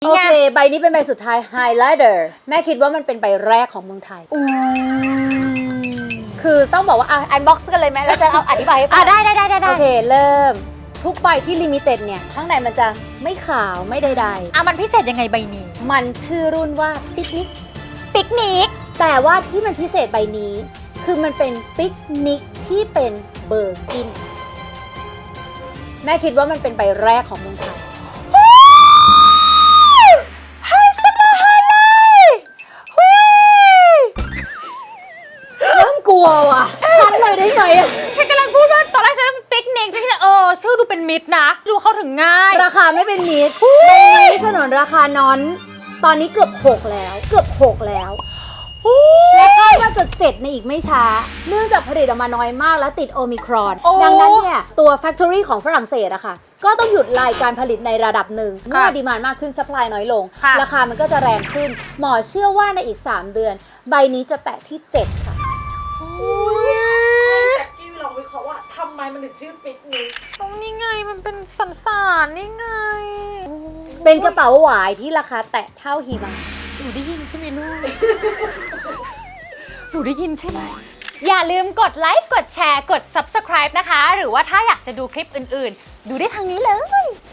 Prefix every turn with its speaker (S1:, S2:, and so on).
S1: โอเคใบนี้เป็นใบสุดท้าย Highlighter แม่คิดว่ามันเป็นใบแรกของเมืองไทยคือต้องบอกว่าอันบ็อกซ์กันเลยไหมแล้วจะเอาอธิบายให้ฟัง
S2: ได้
S1: โอเคเริ่มทุกใบที่ลิมิเต็ดเนี่ยข้างในมันจะไม่ขาวไม่ใดๆ
S2: มันพิเศษยังไงใบนี้
S1: มันชื่อรุ่นว่าปิกนิก
S2: แต่
S1: ว่าที่มันพิเศษใบนี้คือมันเป็นปิกนิกที่เป็นเบอร์กินแม่คิดว่ามันเป็นใบแรกของเมืองไทยเริ่มกลัวว่ะทันเลยได้ไหม
S2: ฉันกำลังพูดว่าตอนแรกฉันเป็นปิกนิกฉันคิดชื่อดูเป็นมิตรนะดูเข้าถึงง่าย
S1: ราคาไม่เป็นมิตรใบนี้สนนราคานอนตอนนี้เกือบ6แล้วและคาดว่าจะ7ในอีกไม่ช้าเนื่องจากผลิตออกมาน้อยมากและติดโอมิครอนดังนั้นเนี่ยตัว Factory ของฝรั่งเศสอะค่ะก็ต้องหยุดรายการผลิตในระดับหนึ่งเมื่อดีมานด์มากขึ้นซัพพลายน้อยลงราคามันก็จะแรงขึ้นหมอเชื่อว่าในอีก3เดือนใบนี้จะแตะที่7ค่ะ
S3: พี่ลองวิเคราะห์ว่าทำไมมันถึงชื่อปิกนิก
S2: นี่ไงมันเป็นสันสานนี่ไง
S1: เป็นกระเป๋าหวายที่ราคาแตะเท่าหิมะ
S2: หนูได้ยินใช่ไหมลูก หนูได้ยินใช่ไหมอย่าลืมกดไลค์กดแชร์กด Subscribe นะคะหรือว่าถ้าอยากจะดูคลิปอื่นๆดูได้ทางนี้เลย